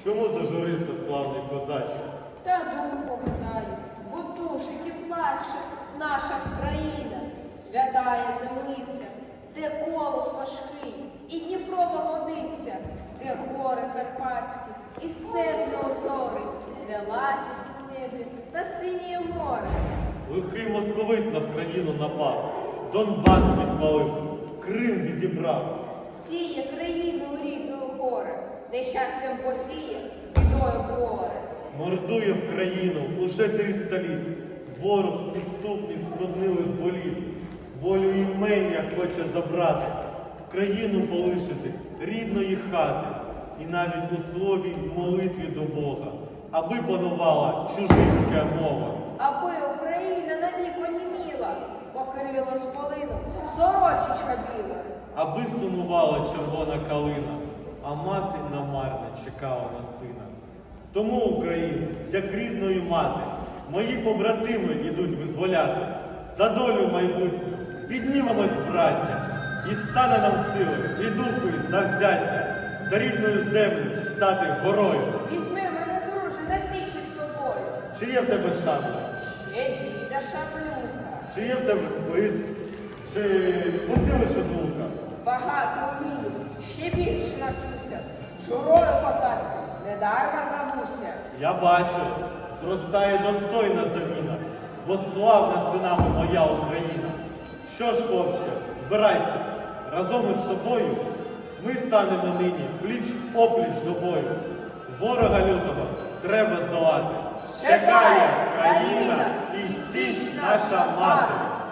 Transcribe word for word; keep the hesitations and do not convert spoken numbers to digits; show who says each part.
Speaker 1: Чому зажурився славний козаче?
Speaker 2: Та думку гадаю, бо душить і плаче наша країна, святая землиця, де колос важкий, і Дніпрова водиця, де гори карпатські, і степи озори, де ластівки в небі та синє море.
Speaker 1: Лихий московит на Вкраїну напав, Донбас підпалив, Крим відібрав.
Speaker 2: Сіє країну рідною горе, нещастям посіє, бідою горе.
Speaker 1: Мордує в країну уже триста літ. Ворог підступний з проднилих боліт. Волю імення хоче забрати, в країну полишити рідної хати. І навіть у слові молитві до Бога, аби панувала чужинська мова.
Speaker 2: Аби Україна навік оніміла, покрило сполину сорочечка біла.
Speaker 1: Аби сумувала червона калина, а мати намарно чекала на сина. Тому Україну, як рідною мати, мої побратими ідуть визволяти. За долю майбутню піднімемось, браття, і стане нам сили, і духу, і завзяття, за рідною землю стати горою.
Speaker 2: Візьми мене, друже, на січі з собою.
Speaker 1: Чи є в тебе шабля?
Speaker 2: Ще діда шаблюка.
Speaker 1: Чи є в тебе спис? Чи поцілиш із лука?
Speaker 2: Багато вмію, ще більше навчуся. Журою козацькою недарма забуся.
Speaker 1: Я бачу, зростає достойна заміна, бо славна синами моя Україна. Що ж, хлопче, збирайся, разом із тобою ми станемо нині пліч-опліч до бою. Ворога лютого треба здолати. Чекає країна і січ наша мати.